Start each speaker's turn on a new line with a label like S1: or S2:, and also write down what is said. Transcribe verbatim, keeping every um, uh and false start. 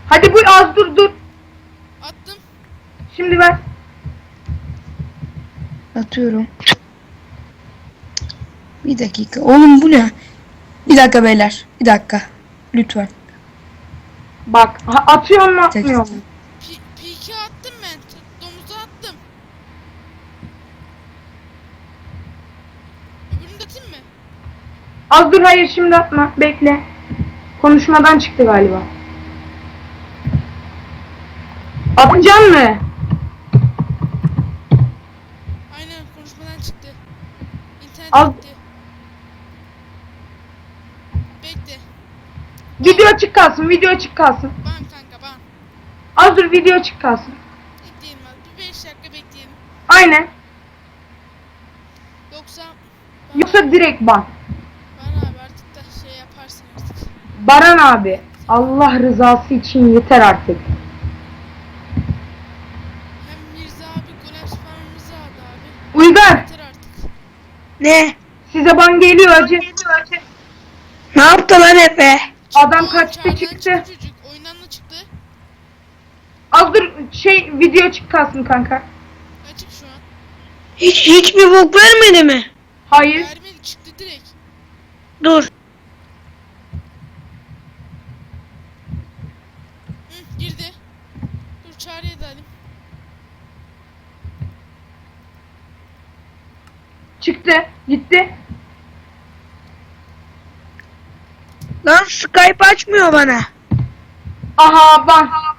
S1: Hadi bu az dur dur.
S2: Attım.
S1: Şimdi ver.
S3: Atıyorum. Bir dakika. Oğlum bu ne? Bir dakika beyler. Bir dakika. Lütfen.
S1: Bak ha, atıyor mu atmıyor mu?
S2: P iki attım ben. T- Domuza attım. Öbürünü de atayım mı?
S1: Az dur, hayır şimdi atma. Bekle. Konuşmadan çıktı galiba. Atacaksın mı?
S2: Aynen konuşmadan çıktı. İnternet
S1: Al.
S2: gitti. Bekle.
S1: Video açık kalsın, video açık kalsın.
S2: Ban kanka ban.
S1: Az dur, video açık kalsın.
S2: Bekleyelim abi. Bir beş dakika bekleyelim.
S1: Aynen.
S2: Yoksa
S1: Yoksa direkt ban.
S2: ban abi artık da şey yaparsın artık.
S1: Baran abi, Allah rızası için yeter artık.
S2: Hem Mirza abi, Golem Süper Mirza abi abi.
S1: Uygar,
S2: Yeter artık.
S3: Ne?
S1: size ban geliyor acı.
S3: Ne yaptı lan Efe?
S1: Adam
S2: O
S1: kaçtı
S2: çağdan
S1: çıktı.
S2: Çocuk oyundan da çıktı.
S1: Az dur, şey video açık kalsın kanka.
S2: Açık şu an.
S3: Hiç hiçbir bok vermedi mi?
S1: Hayır.
S2: Vermedi çıktı direkt.
S3: Dur.
S2: Hı, girdi. Dur çağrıya da alayım.
S1: Çıktı, gitti.
S3: Lan Skype açmıyor bana.
S1: Aha ban.